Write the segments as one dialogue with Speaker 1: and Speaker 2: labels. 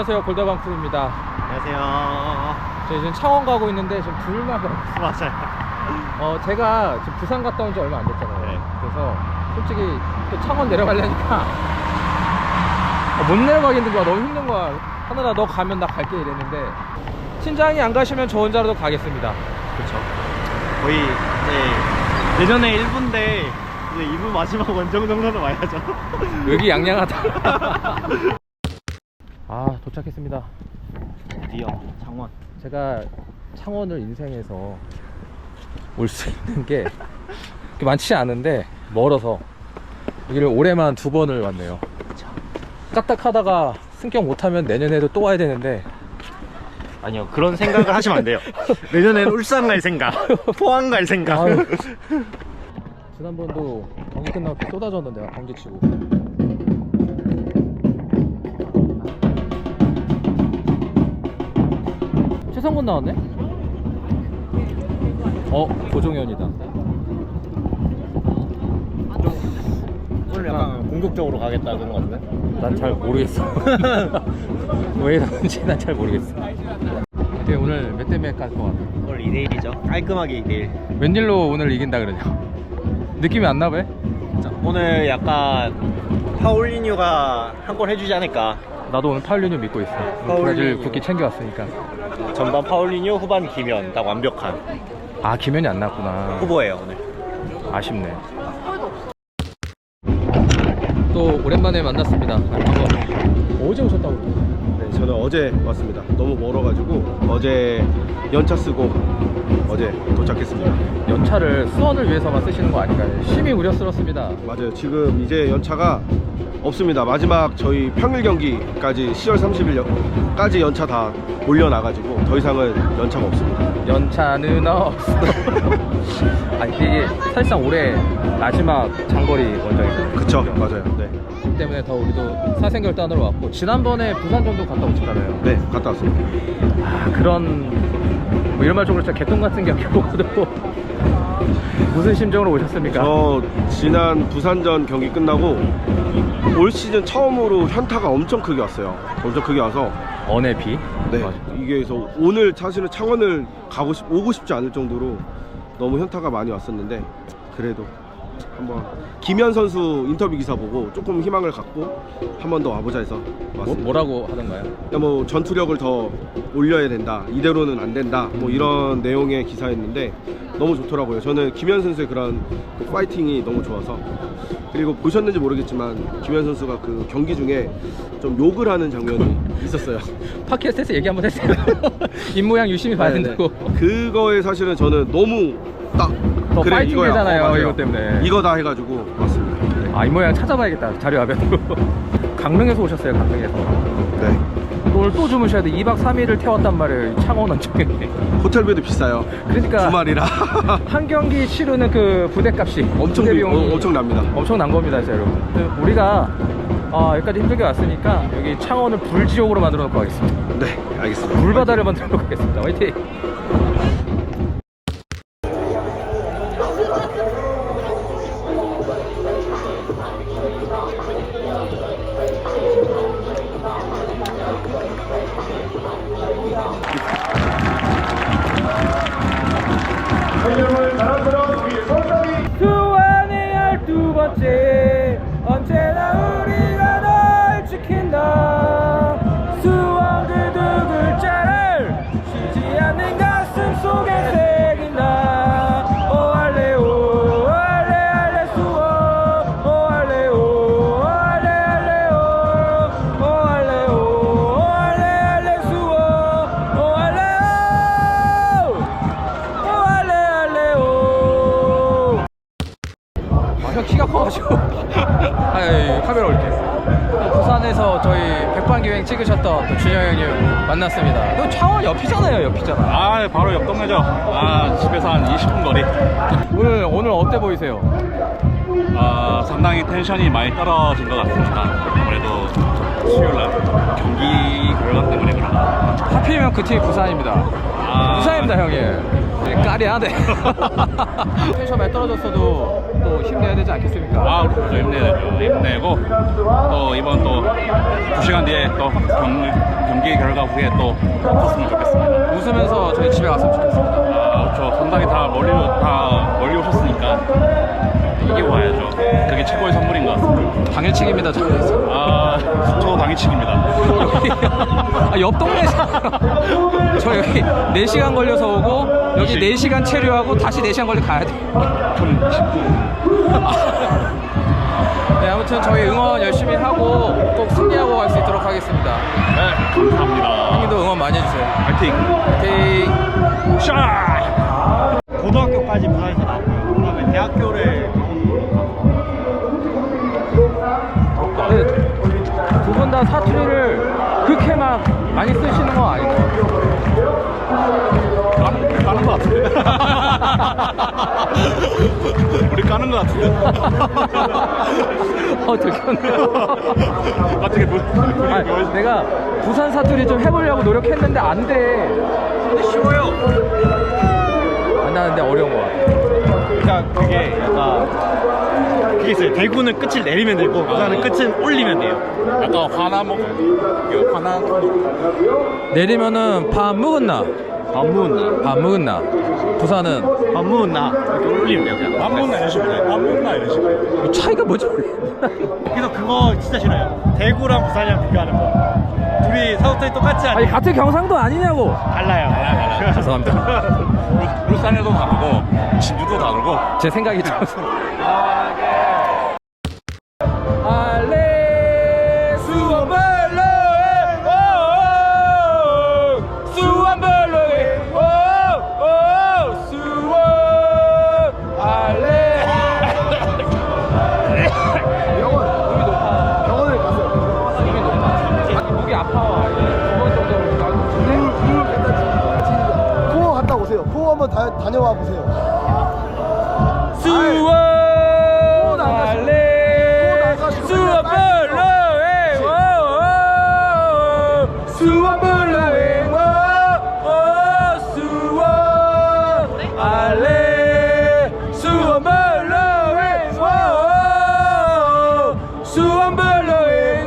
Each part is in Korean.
Speaker 1: 안녕하세요, 골다방크루입니다.
Speaker 2: 안녕하세요.
Speaker 1: 저희 지금 창원 가고 있는데 지금 불만 가고 있어요.
Speaker 2: 맞아요.
Speaker 1: 제가 지금 부산 갔다 온 지 얼마 안 됐잖아요.
Speaker 2: 네.
Speaker 1: 그래서 솔직히 또 창원 내려가려니까 못 내려가겠는 거야. 너무 힘든 거야. 하늘아, 너 가면 나 갈게 이랬는데, 팀장이 안 가시면 저 혼자라도 가겠습니다.
Speaker 2: 그렇죠. 거의 이제 내년에 1부인데 이제 2부 마지막 원정 정도는 와야죠.
Speaker 1: 여기 양양하다. 아, 도착했습니다.
Speaker 2: 드디어 창원.
Speaker 1: 제가 창원을 인생에서 올 수 있는 게 그렇게 많지 않은데 멀어서 여기를 올해만 2번을 왔네요. 까딱하다가 승격 못하면 내년에도 또 와야 되는데,
Speaker 2: 아니요, 그런 생각을 하시면 안 돼요. 내년에는 울산 갈 생각, 포항 갈 생각.
Speaker 1: 아유, 지난번도 경기 끝나고 비 쏟아졌는데 경기 치고. 최성곤 나왔네? 고종현이다.
Speaker 2: 오늘 약간 공격적으로 가겠다 그런 거 같은데?
Speaker 1: 난 잘 모르겠어. 왜 이러는지 난 잘 모르겠어. 근데 오늘 몇 대 몇 갈 것 같아?
Speaker 2: 오늘 2대1이죠. 깔끔하게 2대1.
Speaker 1: 웬일로 오늘 이긴다 그러냐? 느낌이 안 나봐?
Speaker 2: 오늘 약간 파울리뉴가 한 골 해주지 않을까.
Speaker 1: 나도 오늘 파울리뉴 믿고 있어. 브라질 국기 챙겨왔으니까.
Speaker 2: 전반 파울리뉴, 후반 김현. 딱 완벽한
Speaker 1: 아, 김현이 안 나왔구나.
Speaker 2: 후보예요 오늘.
Speaker 1: 아쉽네. 또 오랜만에 만났습니다. 반가워. 어제 오셨다고?
Speaker 3: 네, 저는 어제 왔습니다. 너무 멀어가지고 어제 연차 쓰고 어제 도착했습니다.
Speaker 1: 연차를 수원을 위해서만 쓰시는 거 아닌가요? 심히 우려스럽습니다.
Speaker 3: 맞아요. 지금 이제 연차가 없습니다. 마지막 저희 평일 경기까지 10월 30일까지 연차 다 올려놔가지고 더 이상은 연차가 없습니다.
Speaker 1: 연차는 없어. 아니, 이게 사실상 올해 마지막 장거리 원정이거든요.
Speaker 3: 그쵸, 맞아요. 네,
Speaker 1: 그렇기 때문에 더 우리도 사생결단으로 왔고, 지난번에 부산전도 갔다 오셨잖아요.
Speaker 3: 네, 갔다 왔습니다.
Speaker 1: 아, 그런 뭐 이런 말 좀 그렇죠. 개똥 같은 경기 보고도 무슨 심정으로 오셨습니까?
Speaker 3: 저 지난 부산전 경기 끝나고 올 시즌 처음으로 현타가 엄청 크게 왔어요. 엄청 크게 와서
Speaker 1: 언의 비?
Speaker 3: 네,
Speaker 1: 맞아.
Speaker 3: 이게 그래서 오늘 사실은 창원을 오고 싶지 않을 정도로 너무 현타가 많이 왔었는데, 그래도 한번 김현 선수 인터뷰 기사 보고 조금 희망을 갖고 한 번 더 와보자 해서 왔습니다.
Speaker 1: 뭐라고 하던가요?
Speaker 3: 뭐 전투력을 더 올려야 된다, 이대로는 안 된다, 뭐 이런 내용의 기사였는데 너무 좋더라고요. 저는 김현 선수의 그런 그 파이팅이 너무 좋아서. 그리고 보셨는지 모르겠지만 김현 선수가 그 경기 중에 좀 욕을 하는 장면이 있었어요.
Speaker 1: 팟캐스트에서 얘기 한번 했어요. 입모양 유심히 봐야
Speaker 3: 네네.
Speaker 1: 된다고.
Speaker 3: 그거에 사실은 저는 너무 딱
Speaker 1: 더
Speaker 3: 그래,
Speaker 1: 파이팅
Speaker 3: 이거야.
Speaker 1: 되잖아요,
Speaker 3: 맞아요.
Speaker 1: 이것 때문에.
Speaker 3: 이거다 해가지고 왔습니다. 네.
Speaker 1: 아, 입모양 찾아봐야겠다. 자료 화면으로. 강릉에서 오셨어요, 강릉에서.
Speaker 3: 네.
Speaker 1: 오늘 또 주무셔야 돼. 2박 3일을 태웠단 말이에요, 창원 원정에.
Speaker 3: 호텔비도 비싸요.
Speaker 1: 그러니까
Speaker 3: 주말이라
Speaker 1: 한 경기 치르는 그 부대값이
Speaker 3: 엄청
Speaker 1: 부대 비용이
Speaker 3: 엄청 납니다.
Speaker 1: 엄청난 겁니다, 진짜 여러분. 우리가 여기까지 힘들게 왔으니까 여기 창원을 불지옥으로 만들어 놓고 가겠습니다.
Speaker 3: 네, 알겠습니다.
Speaker 1: 불바다를 만들어 놓고 가겠습니다. 화이팅! 수완의 12번째, 언제나 우리가 널 지킨다. 수원 그 두 글자를 쉬지 않는 가슴 속에 새긴다. 오할래 오할래 할래 수원, 오할래 오할래 할래 오할래 오할래 할래 수원, 오할래 오할래 할래 오. 형 키가 커가지고. 카메라 올게. 부산에서 저희 백반기행 찍으셨던 또 준영 형님 만났습니다. 너 창원 옆이잖아요, 옆이잖아.
Speaker 4: 아, 바로 옆 동네죠. 아, 집에서 한 20분 거리.
Speaker 1: 오늘 어때 보이세요?
Speaker 4: 아, 상당히 텐션이 많이 떨어진 것 같습니다. 아무래도 수요일날 경기 결과 때문에 그런가.
Speaker 1: 하필이면 그 팀이 부산입니다. 무사입니다 형님. 네, 까리하네. 텐션 많이 떨어졌어도 또 힘내야 되지 않겠습니까?
Speaker 4: 아, 그렇죠. 힘내고 또 이번 또 2시간 뒤에 또 경기 결과 후에 또 컸으면 좋겠습니다.
Speaker 1: 웃으면서 저희 집에 갔으면 좋겠습니다.
Speaker 4: 아, 그렇죠. 상당히 다 멀리 오셨으니까 이기고 가야죠. 그게 최고의 선물인 것 같습니다.
Speaker 1: 당일치기입니다 저는.
Speaker 4: 아, 저도 당일치기입니다.
Speaker 1: 아, 옆 동네 저 여기 4시간 걸려서 오고 여기 4시간 체류하고 다시 4시간 걸려 가야 돼.
Speaker 4: 좀
Speaker 1: 네, 아무튼 저희 응원 열심히 하고 꼭 승리하고 갈 수 있도록 하겠습니다.
Speaker 4: 네, 감사합니다.
Speaker 1: 형님도 응원 많이 해주세요.
Speaker 4: 파이팅!
Speaker 1: 오케이.
Speaker 4: 샤!
Speaker 2: 고등학교까지 부산에서 나왔고요. 그다음에 대학교를
Speaker 1: 두 분 다 사투리를 그렇게 막 많이 쓰시는 건 아니죠?
Speaker 4: 까는 것 같은데? 우리 까는 것 같은데?
Speaker 1: 들켰네요.
Speaker 4: 어떻게
Speaker 1: 아니, 내가 부산 사투리 좀 해보려고 노력했는데 안 돼. 근데 쉬워요. 안 나는데 어려운 거 같아.
Speaker 2: 그러니까 그게 약간 그게 있어요. 대구는 끝을 내리면 되고 부산은 끝은 올리면 돼요.
Speaker 4: 약간 화나
Speaker 1: 내리면은 밥 먹었나?
Speaker 2: 밥 먹었나?
Speaker 1: 밥 먹었나? 부산은
Speaker 2: 밥 먹었나? 이렇게 올리면 돼요. 그냥.
Speaker 4: 밥 먹나 이런 식으로 해. 밥 먹나 이런 식으로 해.
Speaker 1: 뭐 차이가 뭐지?
Speaker 2: 그래서 그거 진짜 싫어요. 대구랑 부산이랑 비교하는 거. 둘이 사투리 똑같지 않아요?
Speaker 1: 아니 같은 경상도 아니냐고.
Speaker 2: 달라요.
Speaker 1: 죄송합니다.
Speaker 4: 울산에도 다르고 진주도 다르고
Speaker 1: 제 생각이 좀. 알레 수원벌로에 수원벌로에 수원 알레.
Speaker 3: 병원을 가세요.
Speaker 1: 몸이 높아. 목이 아파. 2번 정도 나고.
Speaker 3: 코어 갔다 오세요. 코어 한번 다녀와 보세요.
Speaker 1: 수원 알레 수원벌로에 수원벌로에 수원 알레 수원벌로에 수원벌로에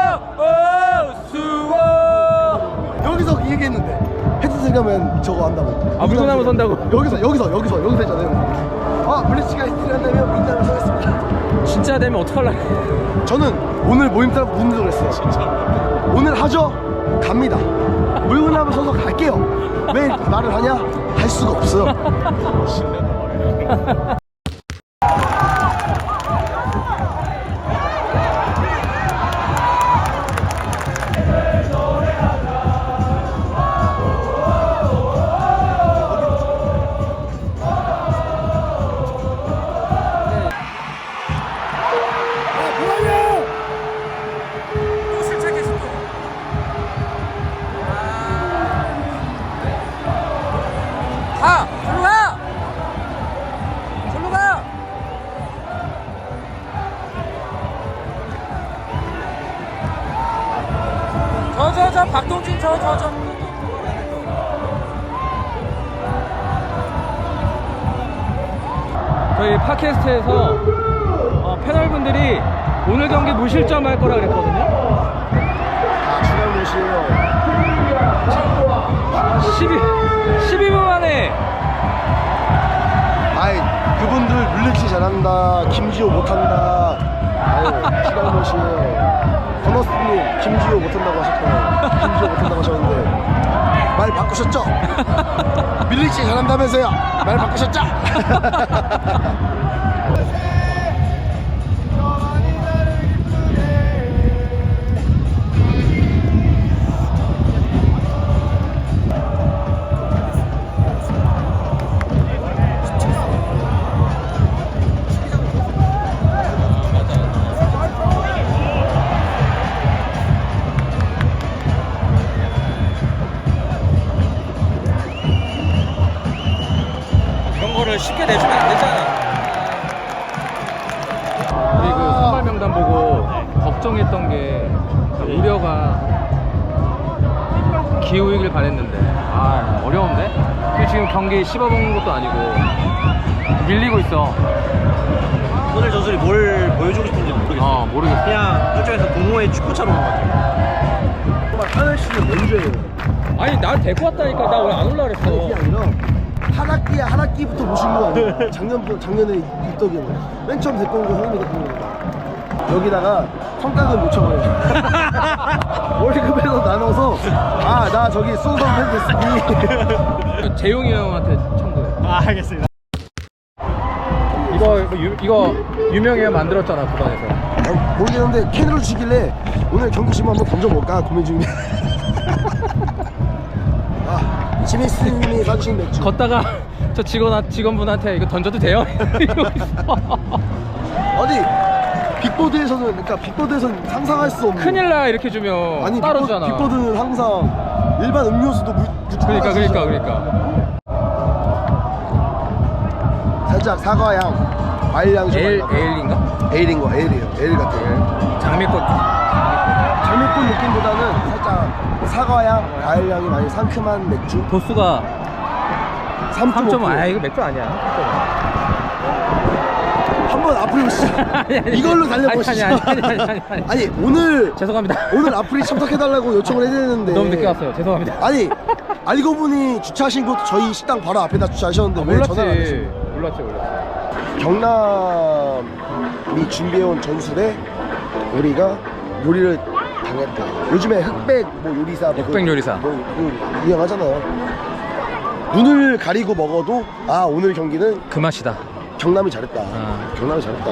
Speaker 1: 수원.
Speaker 3: 여기서 이 얘기했는데 헤드셋 가면 저거 한다고.
Speaker 1: 아, 물구나무 선다고?
Speaker 3: 여기서 했잖아요. 아, 블리츠가 있으려면 민나무 서겠습니다.
Speaker 1: 진짜 되면 어떡할라.
Speaker 3: 저는 오늘 모임 따라 문도 그랬어요. 진짜. 오늘 하죠? 갑니다. 물구나무 서서 갈게요. 왜 말을 하냐? 할 수가 없어요.
Speaker 1: 절로 가! 저 박동진 저 저희 팟캐스트에서 패널분들이 오늘 경기 무실점 할 거라 그랬거든요.
Speaker 3: 아, 주간 무시에요.
Speaker 1: 12분 만에.
Speaker 3: 아이, 그분들 물리치 잘한다. 김지호 못한다. 아유, 주간 무시에요. 버너스님, 김지호 못한다고 하셨잖아요. 김지호 못한다고 하셨는데 말 바꾸셨죠? 밀리치 잘한다면서요. 말 바꾸셨죠?
Speaker 1: 쉽게 내주면 안 되잖아. 우리 그 선발 명단 보고 걱정했던 게 우려가 기우이길 바랬는데 아 어려운데? 지금 경기 씹어먹는 것도 아니고 밀리고 있어.
Speaker 2: 오늘 전술이 뭘 보여주고 싶은지 모르겠어.
Speaker 1: 모르겠어.
Speaker 2: 그냥 저쪽에서 동호회 축구처럼 온 것 같아요.
Speaker 3: 정말 하늘 씨는 먼저예요.
Speaker 1: 아니 나 데리고 왔다니까. 나 왜 안 올라 그랬어.
Speaker 3: 그게 아니라 한 학기부터 모신 거 아니에요. 작년에 있더기는 맨 처음 데리고 온 거 형님이 데리고 온 거. 여기다가 성과금 요청을 월급에서 나눠서 아 나 저기 수성 팬 됐으니
Speaker 1: 재용이 형한테 청구해.
Speaker 2: 알겠습니다.
Speaker 1: 이거 유명해요. 만들었잖아 구단에서.
Speaker 3: 모르겠는데 캔으로 주시길래 오늘 경기 지금 한번 던져볼까 고민 중이네. 아 지미스님이 사주신 맥주.
Speaker 1: 걷다가 저 직원분한테 이거 던져도 돼요? 이러고 있어.
Speaker 3: 어디 빅보드에서는 상상할 수 없는.
Speaker 1: 큰일 나 이렇게 주면.
Speaker 3: 아니
Speaker 1: 따로 주잖아.
Speaker 3: 빅보드는 항상 일반 음료수도
Speaker 1: 그러니까.
Speaker 3: 살짝 사과향, 과일향 좀
Speaker 1: 에일인가?
Speaker 3: 에일인 거 에일이에요. 에일 같아요.
Speaker 1: 장미꽃.
Speaker 3: 장미꽃 느낌보다는 살짝 사과향, 과일향이 많이 상큼한 맥주.
Speaker 1: 도수가 3.5.
Speaker 3: 3.5.
Speaker 1: 아 이거 맥주 아니야.
Speaker 3: 한번 앞으로 오시죠. 이걸로 달려보시죠. 아니 오늘
Speaker 1: 죄송합니다.
Speaker 3: 오늘 앞으로 참석해달라고 요청을 해드렸는데
Speaker 1: 너무 늦게 왔어요. 죄송합니다.
Speaker 3: 아니 알고 보니 주차하신 곳 저희 식당 바로 앞에다 주차하셨는데 왜 전화를 안 하시고?
Speaker 1: 몰랐지.
Speaker 3: 경남이 준비해온 전술에 우리가 요리를 당했다. 요즘에 흑백 뭐 요리사
Speaker 1: 흑백 요리사.
Speaker 3: 유행하잖아요. 눈을 가리고 먹어도 아 오늘 경기는
Speaker 1: 그 맛이다.
Speaker 3: 경남이 잘했다.
Speaker 1: 아.
Speaker 3: 경남이 잘했다.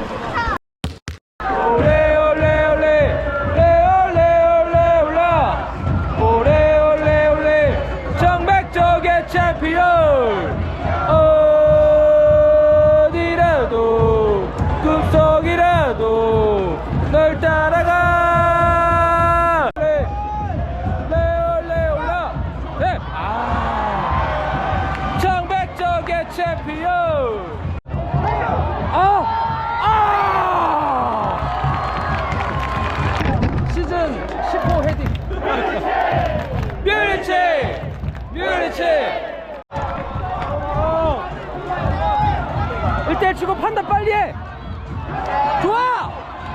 Speaker 1: 정백적의 챔피언 어디라도 꿈속이라도 널 따라가. 레올라 정백적의 챔피언. 시즌 15 헤딩. 뮤리치 1대1 치고 판단 빨리 해. 좋아.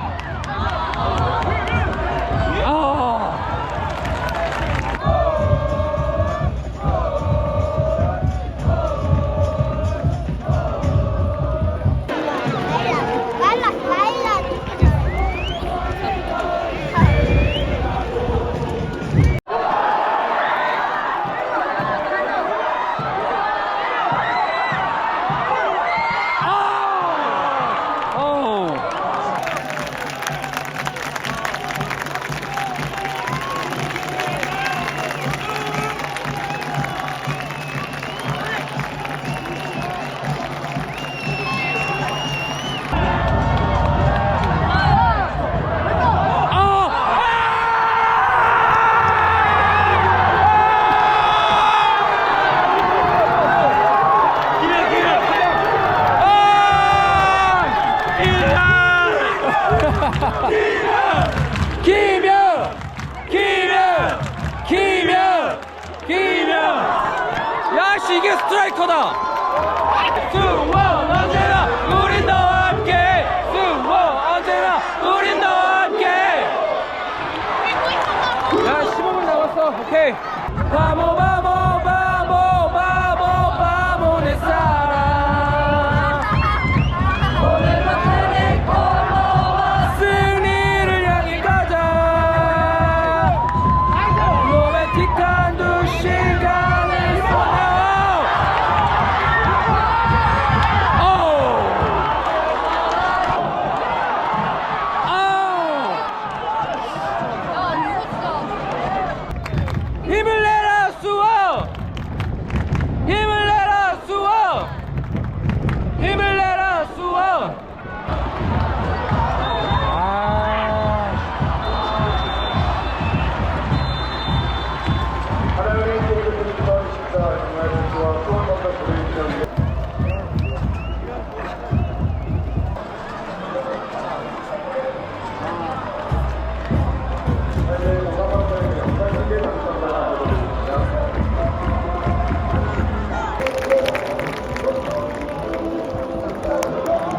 Speaker 1: 야씨 이게 스트라이커다. 수원 언제나 우린 너와 함께. 수원 언제나 우린 너와 함께. 야 15분 남았어. 오케이. 바보 내 사랑. 승리를 향해 가자. 로맨틱한 두 시간을 쏟아.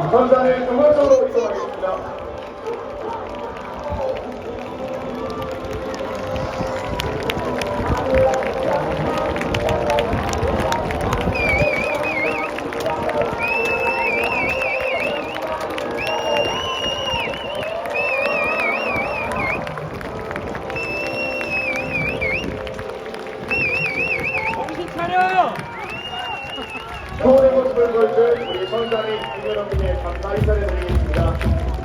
Speaker 5: 선장의 중앙쪽으로 이동하겠습니다. 서울의 모습을 보여준 우리 선장의 여러분의 감사 인사를 드리겠습니다.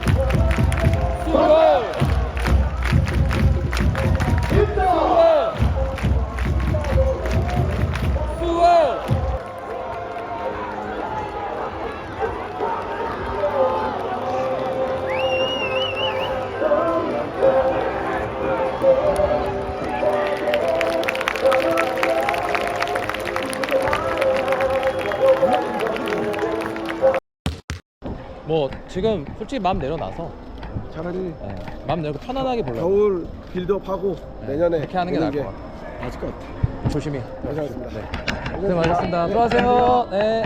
Speaker 1: 뭐 지금 솔직히 마음 내려놔서
Speaker 3: 차라리
Speaker 1: 마음 내고 편안하게 보려고
Speaker 3: 겨울 빌드업하고 내년에
Speaker 1: 그렇게 하는 게
Speaker 3: 오는
Speaker 1: 나을 것 같아요.
Speaker 3: 맞을 것 같아.
Speaker 1: 조심히.
Speaker 3: 감사합니다.
Speaker 1: 고생 많으셨습니다. 들어가세요. 네.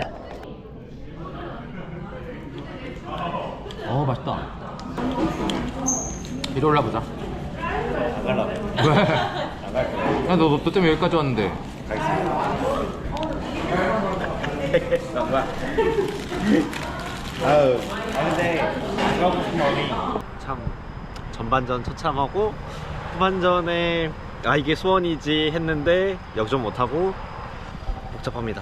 Speaker 1: 맛있다. 이리 올라보자.
Speaker 2: 안 갈라고.
Speaker 1: 왜? 너 때문에 여기까지 왔는데.
Speaker 2: 아유. 근데 가고 싶은 마음이 참 전반전 처참하고 후반전에 이게 수원이지 했는데 역전 못하고 복잡합니다.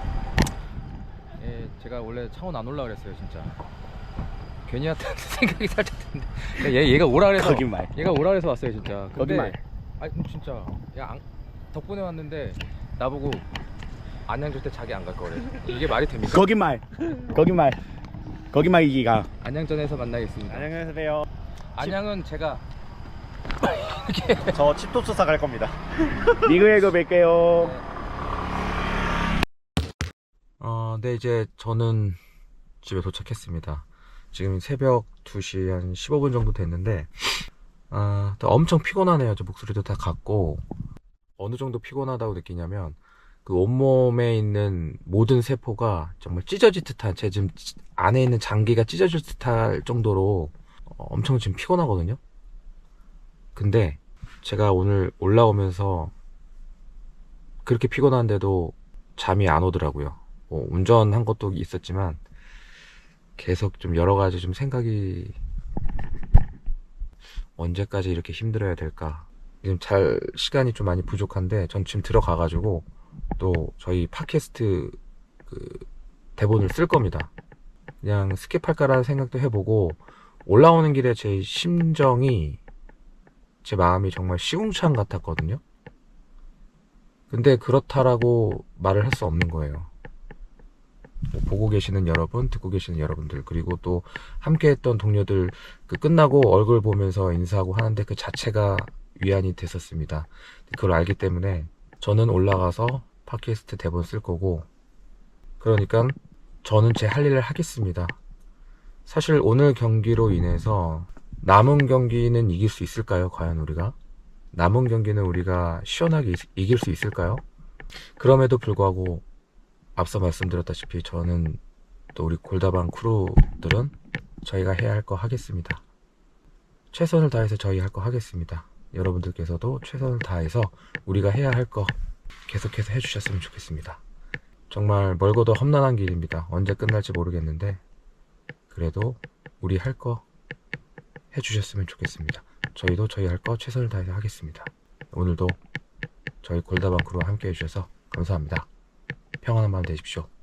Speaker 1: 예, 제가 원래 창원 안 올라 그랬어요, 진짜. 괜히 왔다는 생각이 살짝 드는데. 얘가 오라 그래서.
Speaker 2: 거짓말.
Speaker 1: 얘가 오라 그래서 왔어요, 진짜. 근데,
Speaker 2: 거짓말.
Speaker 1: 아니, 진짜. 덕분에 왔는데 나보고 안양 줄 때 자기 안 갈 거래. 이게 말이 됩니까?
Speaker 2: 거짓말이기가.
Speaker 1: 안양전에서 만나겠습니다.
Speaker 2: 안녕히 계세요.
Speaker 1: 안양은 제가
Speaker 2: 저 칩톱수사 갈 겁니다. 리그에서 뵐게요.
Speaker 1: 네, 이제 저는 집에 도착했습니다. 지금 새벽 2시 한 15분 정도 됐는데, 또 엄청 피곤하네요. 저 목소리도 다 갔고, 어느 정도 피곤하다고 느끼냐면, 그 온몸에 있는 모든 세포가 정말 찢어질 듯한, 제 지금 안에 있는 장기가 찢어질 듯할 정도로 엄청 지금 피곤하거든요. 근데 제가 오늘 올라오면서 그렇게 피곤한데도 잠이 안 오더라고요. 뭐 운전한 것도 있었지만 계속 좀 여러 가지 좀 생각이, 언제까지 이렇게 힘들어야 될까. 지금 잘 시간이 좀 많이 부족한데 전 지금 들어가가지고 또 저희 팟캐스트 그 대본을 쓸 겁니다. 그냥 스킵할까라는 생각도 해보고, 올라오는 길에 제 심정이, 제 마음이 정말 시궁창 같았거든요. 근데 그렇다라고 말을 할 수 없는 거예요. 보고 계시는 여러분, 듣고 계시는 여러분들, 그리고 또 함께 했던 동료들, 그 끝나고 얼굴 보면서 인사하고 하는데 그 자체가 위안이 됐었습니다. 그걸 알기 때문에 저는 올라가서 팟캐스트 대본 쓸 거고, 그러니까 저는 제 할 일을 하겠습니다. 사실 오늘 경기로 인해서 남은 경기는 이길 수 있을까요? 과연 우리가? 남은 경기는 우리가 시원하게 이길 수 있을까요? 그럼에도 불구하고 앞서 말씀드렸다시피 저는, 또 우리 골다방 크루들은 저희가 해야 할 거 하겠습니다. 최선을 다해서 저희 할 거 하겠습니다. 여러분들께서도 최선을 다해서 우리가 해야 할 거 계속해서 해주셨으면 좋겠습니다. 정말 멀고도 험난한 길입니다. 언제 끝날지 모르겠는데 그래도 우리 할 거 해주셨으면 좋겠습니다. 저희도 저희 할 거 최선을 다해서 하겠습니다. 오늘도 저희 골다방 크루와 함께 해주셔서 감사합니다. 평안한 밤 되십시오.